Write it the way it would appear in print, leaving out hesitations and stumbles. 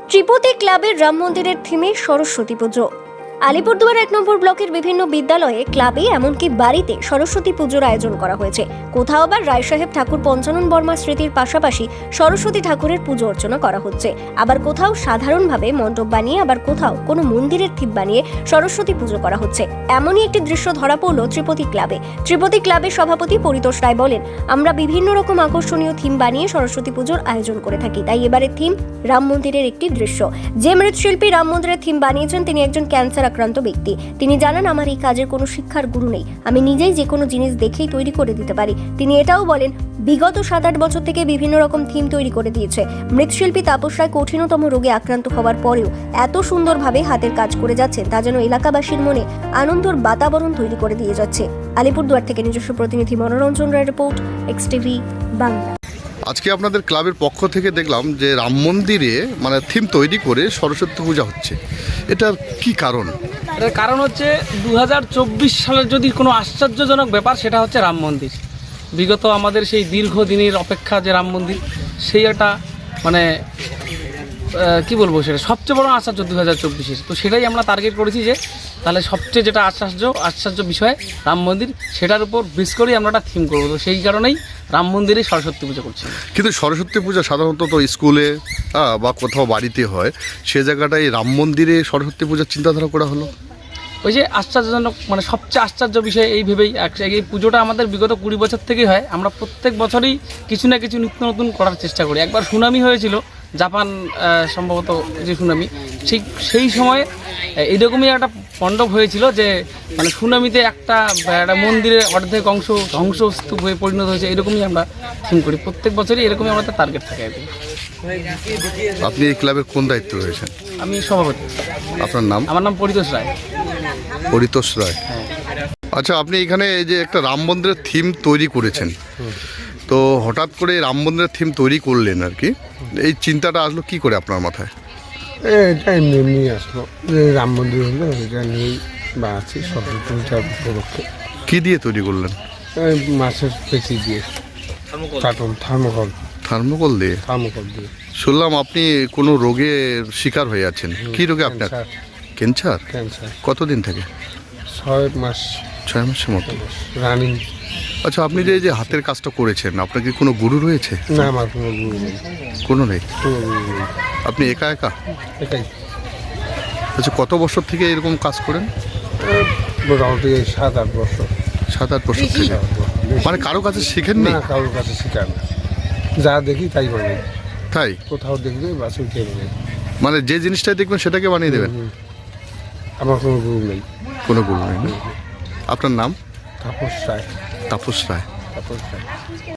ত্রিপতি ক্লাবের রাম মন্দিরের থিমে সরস্বতী পুজো। আলিপুরদুয়ার 1 নম্বর ব্লকের বিভিন্ন বিদ্যালয়ে, ক্লাবে, এমনকি বাড়িতে সরস্বতী পুজোর আয়োজন করা হয়েছে। কোথাও আবার রায় সাহেব ঠাকুর পঞ্চানন বর্মা স্মৃতির পাশাপাশি সরস্বতী ঠাকুরের পুজো অর্চনা করা হচ্ছে। আবার কোথাও সাধারণভাবে মণ্ডপ বানিয়ে, আবার কোথাও কোনো মন্দিরের থিম বানিয়ে সরস্বতী পুজো করা হচ্ছে। এমনই একটি দৃশ্য ধরা পড়ল ত্রিপতি ক্লাবে। ত্রিপতি ক্লাবের সভাপতি পরিতোষ রায় বলেন, আমরা বিভিন্ন রকম আকর্ষণীয় থিম বানিয়ে সরস্বতী পুজোর আয়োজন করে থাকি। তাই এবারের থিম রাম মন্দিরের একটি দৃশ্য। যে মৃৎশিল্পী রাম মন্দিরের থিম বানিয়েছেন তিনি একজন ক্যান্সার আক্রান্ত ব্যক্তি। তিনি জানান, আমার এই কাজের কোনো শিক্ষার গুরু নেই, আমি নিজেই যে কোনো জিনিস দেখেই তৈরি করে দিতে পারি। তিনি এটাও বলেন, বিগত 7-8 বছর থেকে বিভিন্ন রকম থিম তৈরি করে দিয়েছে। মৃৎশিল্পী তাপস রায় কঠিনতম রোগে আক্রান্ত হওয়ার পরেও এত সুন্দরভাবে হাতের কাজ করে যাচ্ছেন, তা যেন এলাকাবাসীর মনে আনন্দের বাতাবরণ তৈরি করে দিয়ে যাচ্ছে। আলিপুরদুয়ার থেকে নিজস্ব প্রতিনিধি মনোরঞ্জন রায় রিপোর্ট, এক্সটিভি বাংলা। আজকে আপনাদের ক্লাবের পক্ষ থেকে দেখলাম যে রাম মন্দিরে থিম তৈরি করে সরস্বতী পূজা হচ্ছে, এটার কি কারণ? এটার কারণ হচ্ছে 2024 সালের যদি কোনো আশ্চর্যজনক ব্যাপার, সেটা হচ্ছে রাম মন্দির। বিগত আমাদের সেই দীর্ঘদিনের অপেক্ষা যে রাম মন্দির, সেই একটা কি বলবো, সেটা সবচেয়ে বড় আশ্চর্য 2024-এর। তো সেটাই আমরা টার্গেট করেছি যে তাহলে সবচেয়ে যেটা আশ্চর্য বিষয় রাম মন্দির, সেটার উপর বেস করেই আমরা একটা থিম করবো। তো সেই কারণেই রাম মন্দিরে সরস্বতী পুজো করছি। কিন্তু সরস্বতী পূজা সাধারণত তো স্কুলে বা কোথাও বাড়িতে হয়, সে জায়গাটায় রাম মন্দিরে সরস্বতী পূজার চিন্তাধারা করা হলো। ওই যে আশ্চর্যজনক, সবচেয়ে আশ্চর্য বিষয় এই ভেবেই এই পুজোটা আমাদের বিগত 20 বছর থেকেই হয়। আমরা প্রত্যেক বছরই কিছু না কিছু নিত্য নতুন করার চেষ্টা করি। একবার সুনামি হয়েছিল, জাপান সম্ভবত যে সুনামি, সেই সময় এইরকমই একটা মণ্ডপ হয়েছিল যে সুনামিতে একটা মন্দিরের অর্ধেক অংশ ধ্বংসস্তূপ হয়ে পরিণত হয়েছে। এরকমই আমরা থিম করি প্রত্যেক বছরই, এরকমই আমাদের টার্গেট থাকে। আপনি এই ক্লাবের কোন দায়িত্ব রয়েছেন? আমি সভাপতি। আপনার নাম? আমার নাম পরিতোষ রায়। পরিতোষ রায়। আচ্ছা, আপনি এখানে এই যে একটা রাম মন্দিরের থিম তৈরি করেছেন, তো হঠাৎ করে রাম মন্দিরের থিম তৈরি করলেন আর কি, এই চিন্তাটা আসলো কি করে আপনার মাথায়? এটা এমনি আসলো যে রাম মন্দির হলো, এটা নিয়েই বা আছি সরস্বতী পূজার উপলক্ষে। কি দিয়ে তৈরি করলেন? মাছের পেঁচি দিয়ে, কার্টুন থার্মোকল দিয়ে। শুনলাম আপনি কোনো রোগের শিকার হয়ে আছেন। কি রোগে আপনার? ক্যান্সার। কতদিন থেকে? 6 মাস। 6 মাসের মতো রানিং। আচ্ছা, আপনি যে হাতের কাজটা করেছেন, আপনার কি কোনো গুরু রয়েছে? না, আমার কোনো গুরু নেই। কোনো নেই? কোনো গুরু নেই। আপনি একা? এটাই। আচ্ছা, কত বছর থেকে এরকম কাজ করেন? মোটামুটি 7-8 বছর। 7-8 বছর থেকে? কারো কাছে শিখেননি? না, কারোর কাছে শিখার না, যা দেখি তাই বানাই। তাই? কোথাও দেখবে বাস উঠে বানাই। যে জিনিসটাই দেখবেন সেটাকে বানিয়ে দেবেন? আমার কোনো গুরু নেই। কোনো গুরু নেই না? আপনার নাম? তাপস রায়। তাপস রায়।